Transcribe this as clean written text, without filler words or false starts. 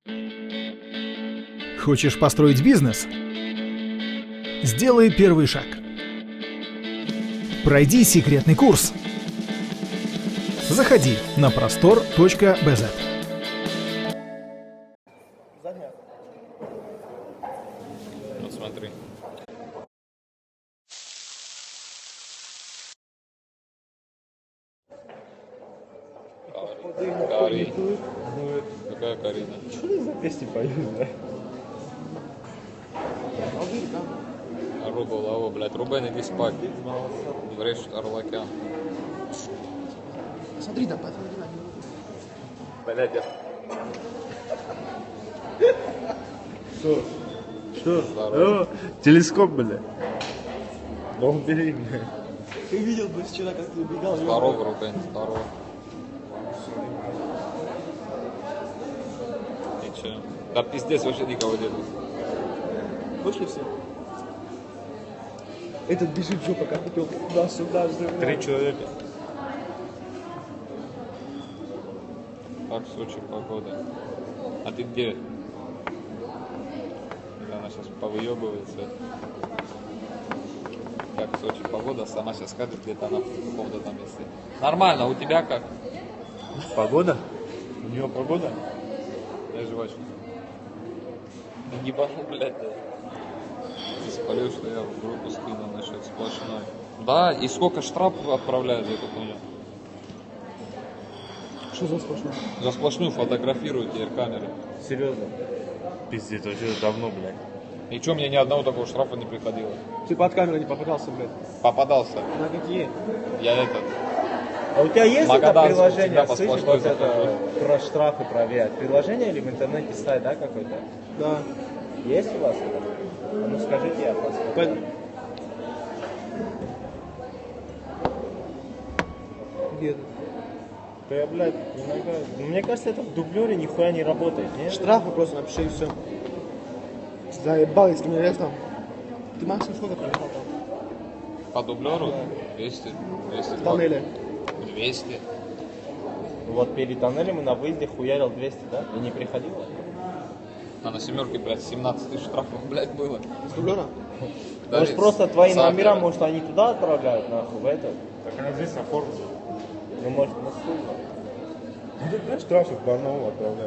Хочешь построить бизнес? Сделай первый шаг. Пройди секретный курс. Заходи на prostor.bz. Вот смотри. Кари. Какая Карина? Что ты за песни поешь, да? Руба, лава, блядь. Рубен, иди спать. Врешь, Орлакян. Смотри, да, посмотри на него. Блядь, я... Что? Здорово. Телескоп, бля. Да убери, бля. Ты видел бы вчера, как ты убегал? Здорово, Рубен, здорово. И че? Да пиздец, вообще никого нету. Вышли все? Этот бежит жопа, как купил туда-сюда. 3 человека. Как в Сочи погода? А ты где? Или она сейчас повыебывается? Как в Сочи погода? Сама сейчас скажет, где-то она в каком-то там месте. Нормально, у тебя как? Погода? У нее погода? Я жвачку. Не ебану, блядь, да. Ты спалил, что я в группу скинул насчет сплошной. Да, и сколько штрафов отправляют за эту хуйню? Что за сплошное? За сплошную фотографируют теперь камеры. Серьезно? Пиздец, вообще давно, блядь. И чё, мне ни одного такого штрафа не приходило? Ты под камеру не попадался, блядь. Попадался. На какие? Я этот... А у тебя есть это Магаданский, приложение, всегда по слышишь, сплошной вот это, про штрафы проверять? Приложение или в интернете сайт, да, какой-то? Да. Есть у вас это? А ну скажите, я посмотрю. Пойду. Где это? Да я, блядь, иногда... Мне кажется, это в дублере нихуя не работает, нет? Штрафы просто напиши и все. Заебал, если мне лет там. Ты максимум сколько проехал там? По дублеру? 200. 200. В тоннеле. 200. Вот перед тоннелем и на выезде хуярил 200, да? И не приходило? А на семерке, блядь, 17 тысяч штрафов, блядь, было. С дублера? Может, просто твои Сахара. номера, может, они туда отправляют, нахуй, в этот? Так она здесь оформлена. Ну, может, на суд. Штрафы в Барнаул отправляют.